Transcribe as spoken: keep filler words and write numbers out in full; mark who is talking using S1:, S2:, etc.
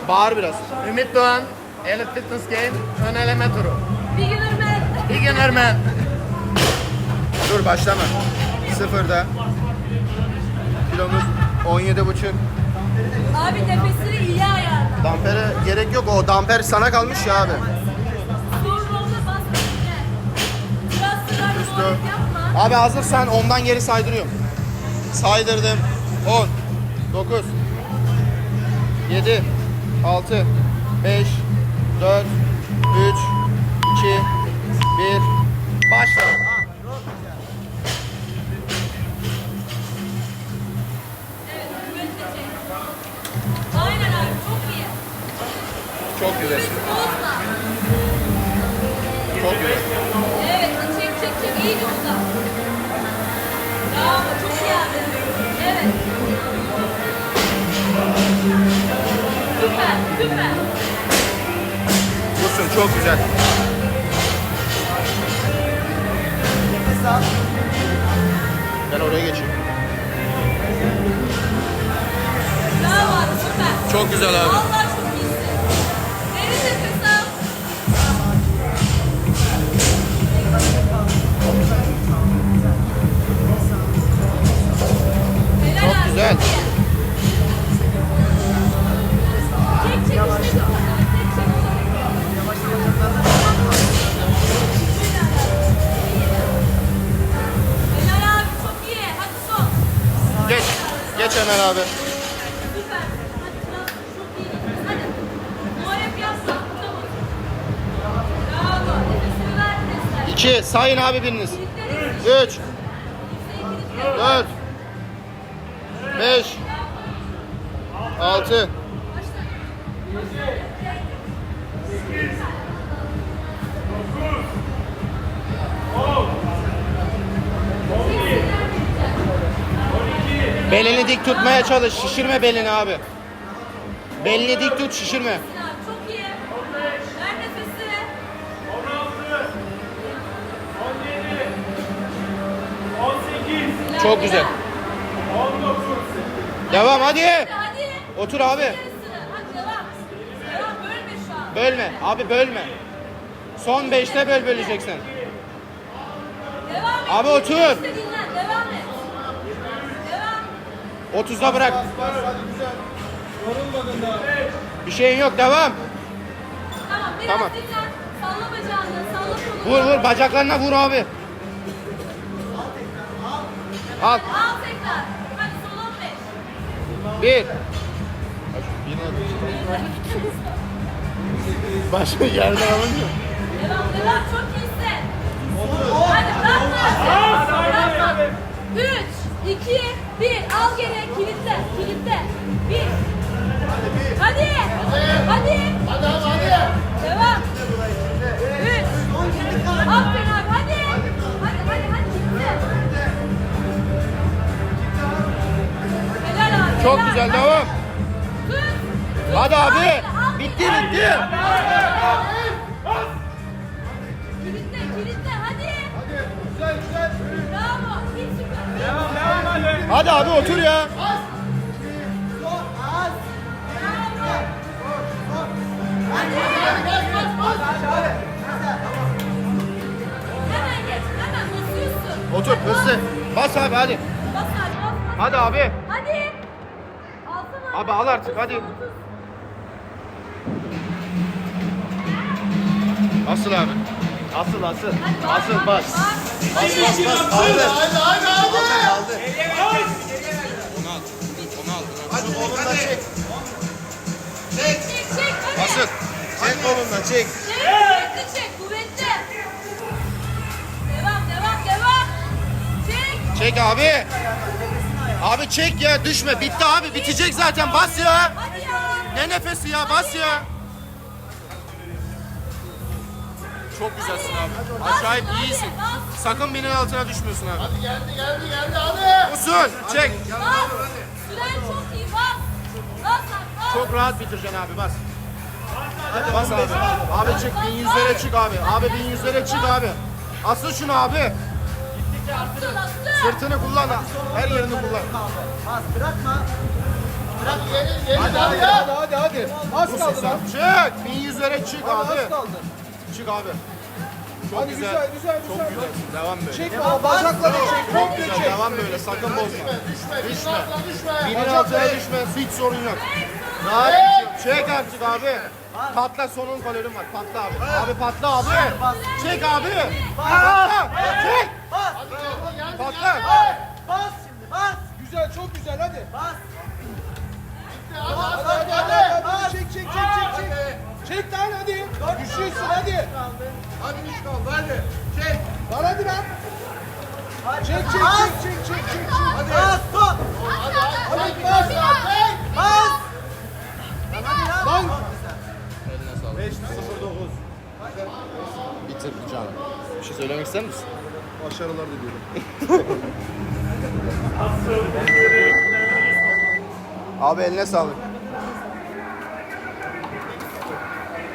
S1: Bağır biraz.
S2: Ümit Doğan, Elite Fitness Game, ön eleme turu.
S3: Beginner man.
S2: Beginner man.
S1: Dur başlama. Sıfırda. Kilomuz on yedi buçuk.
S3: Abi nefesini iyi ayarla.
S1: Dampere gerek yok. O damper sana kalmış ya abi.
S3: Sorun olsa bas bekle. Biraz sıra
S1: Üstü.
S3: yuvarlak yapma.
S1: Abi hazırsan ondan geri saydırıyorum. Saydırdım. on, dokuz, yedi, altı, beş, dört, üç, iki, bir. Başla.
S3: Evet, kuvvetle çek. Aynen abi, çok iyi.
S1: Çok güzel.
S3: Bozma.
S1: Çok güzel.
S3: Evet, çek çek çek. İyi usta. Bravo, çok iyi abi. Evet. Süper, süper.
S1: Dursun çok güzel. Ben oraya geçeyim.
S3: Bravo abi, süper.
S1: Çok güzel abi.
S3: Vallahi çok iyisin. Derin nefes al. Helal
S1: Çok
S3: abi,
S1: güzel.
S3: iyi. Çek çek işte çok güzel. Çek çek. Helal abi, çok iyi. Hadi son.
S1: Geç. Geç hemen abi.
S3: Süper. Hadi biraz çok iyi. Hadi. Muharrem yapma. Tamam. Bravo. Nefesini ver. Nefesler.
S1: İki. Sayın abi biriniz.
S3: Kilitleri.
S1: Üç. Dört. Beş. Altı. Belini dik tutmaya çalış. Şişirme belini abi. Belini dik tut, şişirme.
S3: Çok iyi. Ver nefesini.
S1: Çok güzel. Devam hadi.
S3: Hadi.
S1: Otur abi.
S3: Yarısını. Hadi devam. Devam. Bölme şu an.
S1: Bölme. Abi bölme. Son beşte böl böleceksin.
S3: Devam et.
S1: Abi otur.
S3: İşte dinlen. Devam et. Devam.
S1: otuzda bırak. Bir şeyin yok. Devam.
S3: Tamam. Biraz
S1: Tamam.
S3: dinlen. Salla bacağını. Salla kolunu.
S1: Vur vur. Bacaklarına vur abi. Al.
S3: Al tekrar. Hadi son on beş.
S1: Bir. Başka yerden alınmıyor.
S3: Devam devam. Çok iyisin. Hadi bırakma. Bırakma. Üç, iki, bir. Al geri. Kilitle. Kilitle. Bir. Hadi. Hadi. Hadi hadi. Devam. Üç. Aferin abi. Hadi. Hadi hadi hadi. Kilitle. Helal abi.
S1: Çok
S3: helal.
S1: güzel.
S3: Hadi.
S1: Devam.
S3: Tut. Tut.
S1: Hadi abi.
S3: Al, al.
S1: Bitti bitti.
S3: Kilitle kilitle hadi. Hadi güzel güzel. Bravo. İyi süper.
S1: Hadi abi otur ya.
S3: Hemen geç. Hemen basıyorsun.
S1: Otur hızlı. Bas abi hadi.
S3: Bas abi bas.
S1: Hadi abi.
S3: Hadi. Alsana.
S1: Abi al artık hadi. Asıl abi.
S4: Asıl asıl.
S3: Hadi bas,
S4: Asıl
S3: bas.
S4: bas.
S3: Bas.
S4: Bas bas bas. Kaldır.
S1: Hadi hadi hadi.
S4: Kaldır.
S1: Onu al. Onu al.
S4: Hadi kolunla çek.
S3: Çek çek hadi.
S1: Asıl.
S4: Çek kolunla çek.
S3: Çek kuvvetli çek kuvvetli. Devam devam devam. Çek.
S1: Çek abi. Abi çek ya düşme. Bitti abi. Bitecek zaten. Bas ya.
S3: Hadi ya.
S1: Ne nefesi ya? Bas ya. Çok güzelsin abi. Acayip iyisin. Sakın binin altına düşmüyorsun abi. Hadi geldi geldi geldi hadi. Usul. Çek.
S3: Bas. Süren çok iyi bas. Bas abi bas.
S1: Çok rahat bitireceksin abi. Bas. Bas abi. Abi çık. Bin yüzlere çık abi. Abi bin yüzlere çık abi. Asıl şunu abi.
S3: Asıl asıl.
S1: Sırtını kullan. Her yerini kullan.
S4: Bas bırakma.
S5: Hadi hadi hadi hadi hadi. Az kaldı lan.
S1: Çık. bin yüzlere çık
S5: Hadi
S1: abi.
S5: az kaldı.
S1: Çık abi. Çok
S5: Hadi
S1: güzel.
S5: güzel güzel
S1: Çok
S5: güzel.
S1: güzelsin. Devam böyle.
S5: Çek baba bacakları çek. Komple
S1: Güzel.
S5: çek.
S1: Devam böyle. Sakın bozma. Düşme. Binin altına düşme. Hiç sorun yok. Rahat çek. Çek artık abi. Patla, sonun kalorin var. Patla abi. Abi patla abi. Çek abi. Patla. Çek. Patla.
S5: Bas şimdi bas. Güzel çok güzel hadi. Bas. Hadi hadi hadi hadi. hadi. Çek çek çek çek çek. Çek lan hadi. Düşüyorsun hadi.
S4: Hadi üç kaldı hadi. Çek.
S5: Lan hadi lan. Çek çek çek çek çek çek çek. Hadi. Bas stop. Hadi bas. Bas. Lan.
S1: beş sıfır dokuz. Bitirdi canım. Bir şey söylemek ister misin?
S5: Başarılar diliyorum.
S1: Abi eline sağlık.